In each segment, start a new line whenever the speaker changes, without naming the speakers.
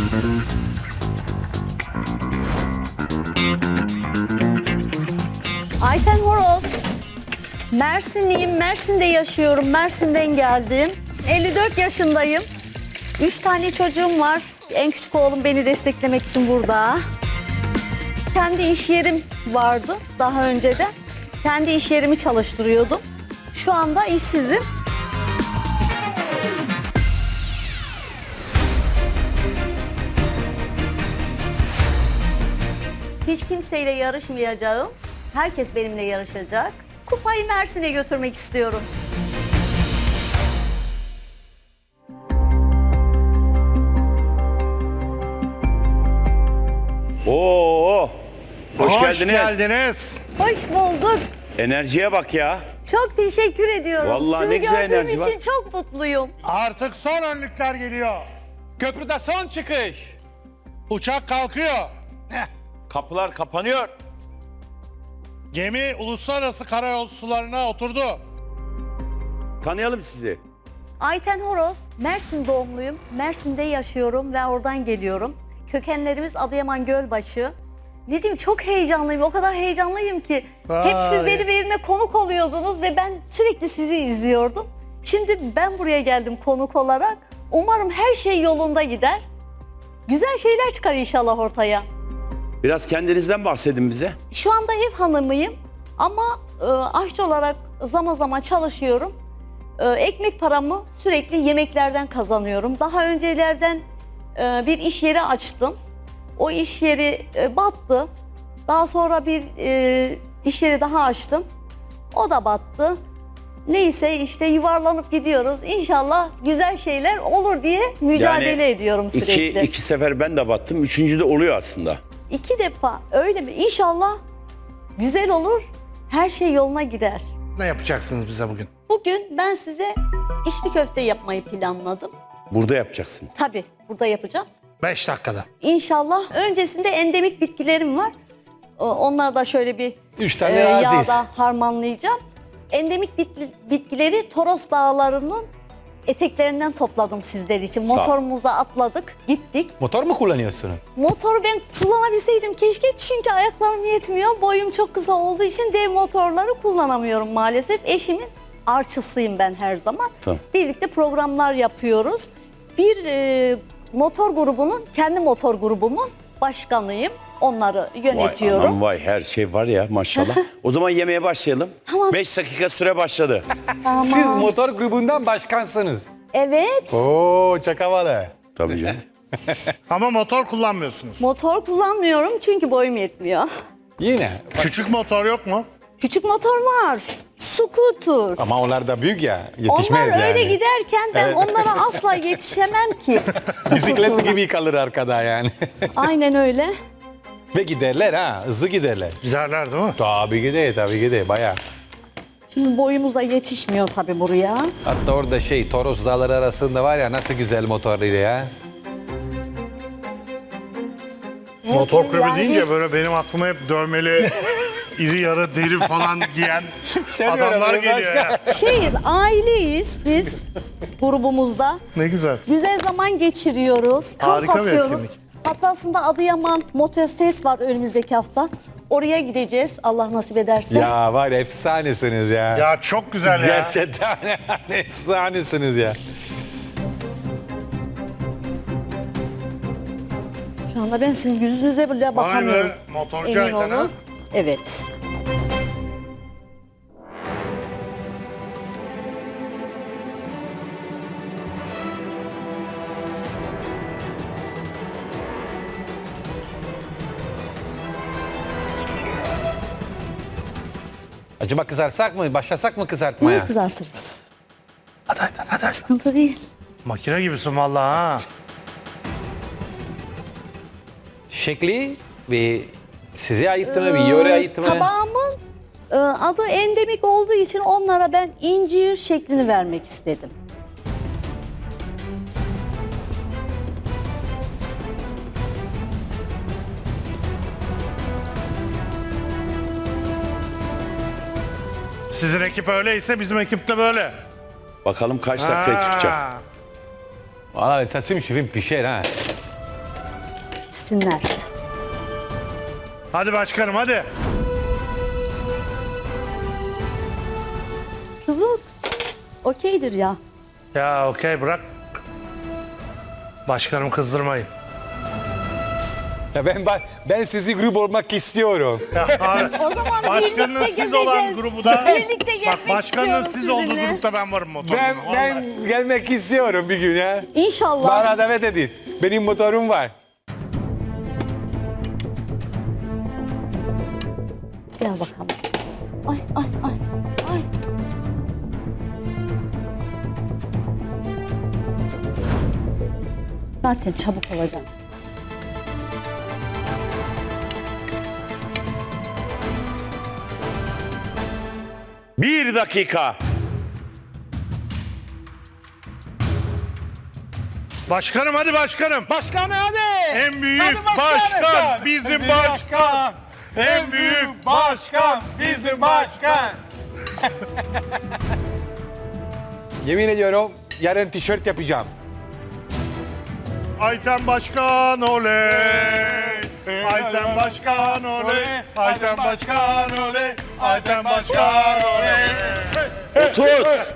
Ayten Horoz. Mersinliyim. Mersin'de yaşıyorum. Mersin'den geldim. 54 yaşındayım. 3 tane çocuğum var. En küçük oğlum beni desteklemek için burada. Kendi iş yerim vardı daha önceden. Kendi iş yerimi çalıştırıyordum. Şu anda işsizim. Hiç kimseyle yarışmayacağım. Herkes benimle yarışacak. Kupayı Mersin'e götürmek istiyorum.
Oo, hoş geldiniz.
geldiniz.
Hoş bulduk.
Enerjiye bak ya.
Çok teşekkür ediyorum.
Vallahi
Sizi
ne güzel
gördüğüm
enerji var.
için çok mutluyum.
Artık son önlükler geliyor.
Köprüde son çıkış.
Uçak kalkıyor.
Kapılar kapanıyor.
Gemi uluslararası karayol sularına oturdu.
Tanıyalım sizi.
Ayten Horoz, Mersin doğumluyum. Mersin'de yaşıyorum ve oradan geliyorum. Kökenlerimiz Adıyaman Gölbaşı. Ne diyeyim, çok heyecanlıyım. O kadar heyecanlıyım ki. Hep siz
Vay.
benim evime konuk oluyordunuz ve ben sürekli sizi izliyordum. Şimdi ben buraya geldim konuk olarak. Umarım her şey yolunda gider. Güzel şeyler çıkar inşallah ortaya.
Biraz kendinizden bahsedin bize.
Şu anda ev hanımıyım ama aşçı olarak zaman zaman çalışıyorum. Ekmek paramı sürekli yemeklerden kazanıyorum. Daha öncelerden bir iş yeri açtım. O iş yeri battı. Daha sonra bir iş yeri daha açtım. O da battı. Neyse işte yuvarlanıp gidiyoruz. İnşallah güzel şeyler olur diye mücadele ediyorum sürekli.
iki sefer ben de battım. Üçüncü de oluyor aslında.
2 defa öyle mi? İnşallah güzel olur. Her şey yoluna girer.
Ne yapacaksınız bize bugün?
Bugün ben size içli köfte yapmayı planladım.
Burada yapacaksınız.
Tabii burada yapacağım.
5 dakikada.
İnşallah öncesinde endemik bitkilerim var. Onları da şöyle bir
3 tane aziz.
yağda harmanlayacağım. Endemik bitkileri Toros Dağları'nın eteklerinden topladım sizler için.
Sağ ol.
Motorumuza atladık, gittik.
Motor mu kullanıyorsun?
Motoru ben kullanabilseydim keşke, çünkü ayaklarım yetmiyor. Boyum çok kısa olduğu için dev motorları kullanamıyorum maalesef. Eşimin arçısıyım ben her zaman.
Tamam.
Birlikte programlar yapıyoruz. Bir motor grubunun, kendi motor grubumun başkanıyım. Onları yönetiyorum.
Vay anam vay, her şey var ya maşallah. O zaman yemeğe başlayalım.
Tamam.
5 dakika süre başladı.
Siz motor grubundan başkansınız.
Evet,
Oo, çok havalı.
Tabii canım.
Ama motor kullanmıyorsunuz.
motor kullanmıyorum çünkü boyum yetmiyor.
Yine.
Küçük motor yok mu?
Küçük motor var, scooter.
Ama onlar da büyük ya, yetişmez
Onlar öyle
yani.
giderken ben onlara asla yetişemem ki.
Bisiklet gibi kalır arkada yani.
Aynen öyle.
Ve giderler ha, hızlı giderler.
Giderler değil mi?
Tabii gider bayağı.
Şimdi boyumuz da yetişmiyor tabii buraya.
Hatta orada Toros Dağları arasında var ya, nasıl güzel motoruydu ya.
Motor kulübü
Yani-
deyince böyle benim aklıma hep dövmeli, iri yarı deri falan giyen adamlar geliyor ya.
Aileyiz biz grubumuzda.
Ne güzel.
Güzel zaman geçiriyoruz. Kamp
Harika bir
atıyoruz.
etkinlik.
Hatta aslında Adıyaman Motofest var önümüzdeki hafta. Oraya gideceğiz Allah nasip ederse.
Ya var ya, efsanesiniz ya.
Ya çok güzel ya.
Gerçekten efsanesiniz ya.
Şu anda ben sizin yüzünüze bile
Vay
bakamıyorum.
be, motorcu
Emin
Ayten ha.
olun. Evet.
Acaba kızartsak mı? Başlasak mı kızartmaya?
Bunu kızartırız.
Hadi.
Sıkıntı değil.
Makine gibisin vallahi ha.
Şekli ve size ait mi? Bir yöre ait mi?
Tabağımın adı endemik olduğu için onlara ben incir şeklini vermek istedim.
Sizin ekip öyleyse bizim ekip de böyle.
Bakalım kaç dakikaya çıkacak.
Ha.
Valla ça suffit, bir şey ha.
pişsinler.
Hadi başkanım hadi.
Kızıl okeydir ya.
Ya okey bırak. Başkanım kızdırmayın.
Ya ben sizi grup olmak istiyorum.
Ya, abi,
O zaman
başkanın
birlikte
siz olan
gezeceğiz.
grubu da
Birlikte gezmek
bak başkanın
istiyorum
siz olduğu
sizinle.
grupta ben varım motorumda.
Ben gelmek istiyorum bir gün ya.
İnşallah.
Bana davet edin. Benim motorum var.
Gel bakalım. Ay ay ay ay. Zaten çabuk olacak.
Bir dakika.
Başkanım hadi başkanım.
Başkan hadi.
En büyük
Hadi
başkan bizim başkan.
En büyük başkan bizim başkan. Yemin ediyorum yarın tişört yapacağım.
Ayten Başkan oley. Ayten Başkan oley. Ayten Başkan oley. Ayten Başkan oley.
30.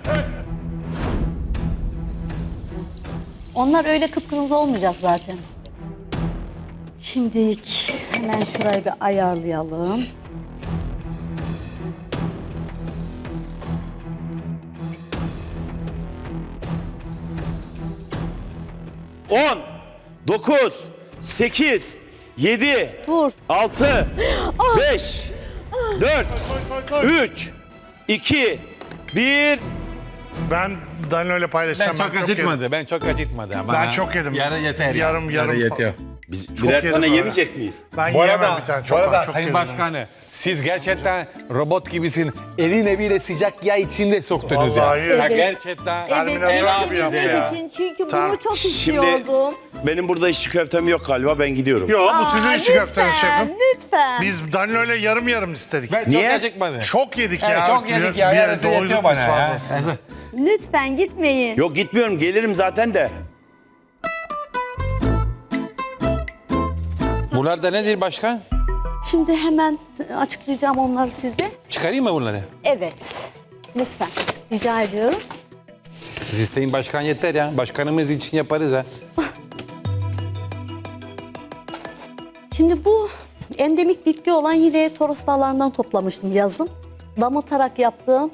Onlar öyle kıpkırmızı olmayacak zaten. Şimdilik hemen şurayı bir ayarlayalım.
On, 9, 8, 7,
Dur.
6, 5, 4, 3, 2, 1.
Ben Danilo ile paylaşacağım.
Ben çok acıtmadı. Ben çok acıtmadı. Ama
Ben çok yedim.
Yarın yeter. ya.
Yarım
Yarın yetiyor.
Biz
Çok
birer
yedim
tane
öyle.
yemeyecek miyiz?
Ben
Bu
yiyemem
arada,
bir tane.
bu
Çok
arada
çok
Sayın
yedim.
Başkanı, siz gerçekten robot gibisin. Eline bile sıcak yağ içinde soktunuz
Vallahi
ya.
evet.
Ya gerçekten.
Terminal
Evet,
nasıl
yetiştirmek
yapıyor ya?
için çünkü
Tamam.
bunu çok
Şimdi
istiyordum.
benim burada işçi köftem yok galiba, ben gidiyorum.
Yok bu sizin
Aa,
işi köfteniz şefim.
Lütfen.
Biz Danilo ile yarım istedik.
Ben
Niye?
çok acıkmadı.
Çok yedik
Evet,
ya.
çok yedik ya.
Bir
Yarısı
doyduk
yetiyor
biz
bana ya.
fazlasını.
Lütfen gitmeyin.
Yok gitmiyorum, gelirim zaten de.
Bunlar da nedir başkan?
Şimdi hemen açıklayacağım onları size.
Çıkarayım mı bunları?
Evet. Lütfen. Rica ediyorum.
Siz isteyin başkan yeter ya. Başkanımız için yaparız ha.
Şimdi bu endemik bitki olan yine Toros Dağları'ndan toplamıştım yazın. Damıtarak yaptığım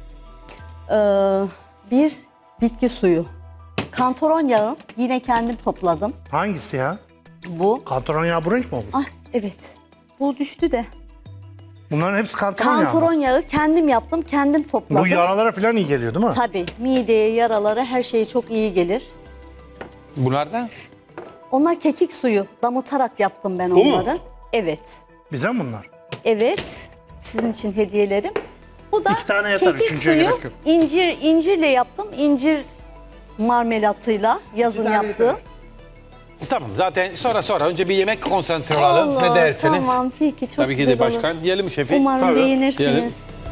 bir bitki suyu. Kantaron yağı yine kendim topladım.
Hangisi ya?
Bu.
Kantaron yağı bu renk mi olur?
Ah evet. Bu düştü de.
Bunların hepsi kantaron yağı mı?
Kantaron yağı kendim yaptım, kendim topladım.
Bu yaralara falan iyi geliyor değil mi?
Tabii mideye, yaralara her şeye çok iyi gelir.
Bunlar da?
Onlar kekik suyu. Damıtarak yaptım ben
mu?
onları. Evet.
Bize mi bunlar?
Evet. Sizin için hediyelerim. Bu da
İki tane yeter,
kekik
üçüncüye
suyu.
gerek yok.
İncirle yaptım. İncir marmelatıyla yazın yaptığım.
Tamam zaten sonra önce bir yemek konsantre olalım. Ne derseniz.
Tamam peki çok
Tabii ki
güzel
de
olur.
başkan. Yiyelim şefi.
Umarım
Tabii.
beğenirsiniz.
Yiyelim.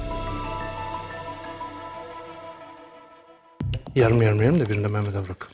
Yarım yerim de birini de Mehmet'e bırak.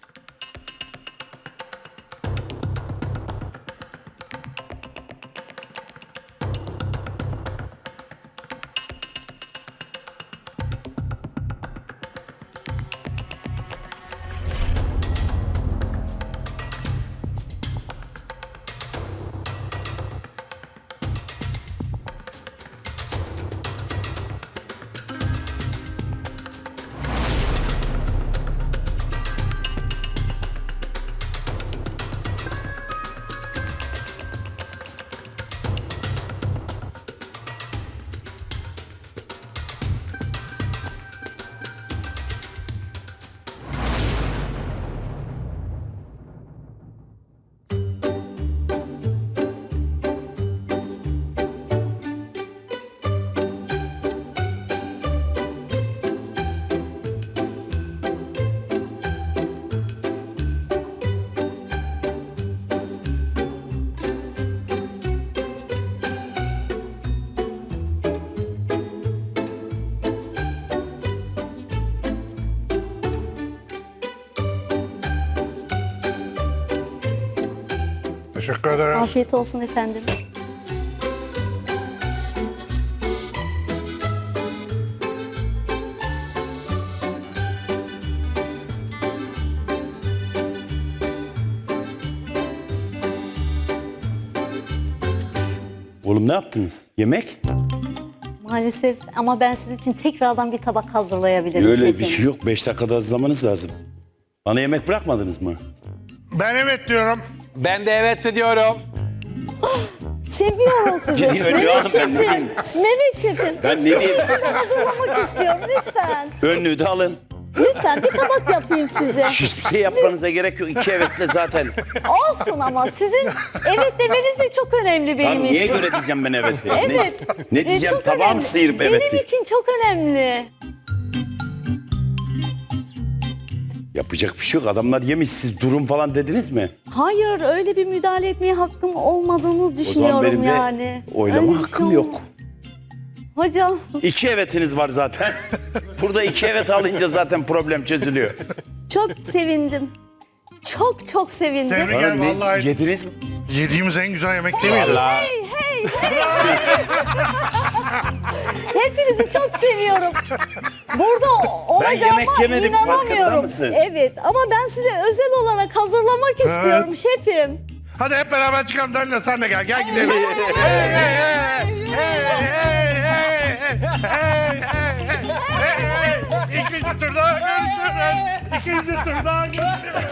Teşekkür ederim.
Afiyet olsun efendim.
Oğlum ne yaptınız? Yemek?
Maalesef ama ben sizin için tekrardan bir tabak hazırlayabilirim.
Öyle
şefim.
bir şey yok. 5 dakikada hazırlamanız lazım. Bana yemek bırakmadınız mı?
Ben evet diyorum.
Ben de evet diyorum.
Seviyorum sizi.
Gidin önlüğü alın, ben ne diyeyim?
Mehmet şefim.
Ben ne diyeyim?
Ben hazırlamak istiyorum lütfen.
Önlüğü de alın.
Lütfen bir tabak yapayım size.
Hiçbir şey yapmanıza gerek yok. 2 evetle zaten.
Olsun ama sizin evet demeniz de çok önemli benim
Lan niye
için.
göre diyeceğim ben evet?
Evet.
Ne diyeceğim?
Çok
Tabağım
önemli.
sıyırıp evet
Benim
diye.
için çok önemli.
Yapacak bir şey yok. Adamlar yemiş. Siz durum falan dediniz mi?
Hayır öyle bir müdahale etmeye hakkım olmadığını
O zaman
düşünüyorum
benim de
yani.
oylama
Öyle bir
hakkım
şey
yok.
olmaz. Hocam
2 evetiniz var zaten. Burada 2 evet alınca zaten problem çözülüyor.
çok sevindim. Çok çok sevindim.
Tebrik
Bana
ederim
ne
vallahi.
yediniz mi?
Yediğimiz en güzel yemek değil miydi?
Hey hey hey. Hepinizi çok seviyorum. Burada
yemek
olacağıma
yemedim, farkında
inanamıyorum.
mısın?
Evet ama ben size özel olarak hazırlamak istiyorum şefim.
Hadi hep beraber çıkalım. Danilo sen de gel. Gel gidelim. Hey, hey, hey, hey, hey, hey, hey, hey, hey, hey. İkinci turda görüşürüz. İkinci turda görüşürüz.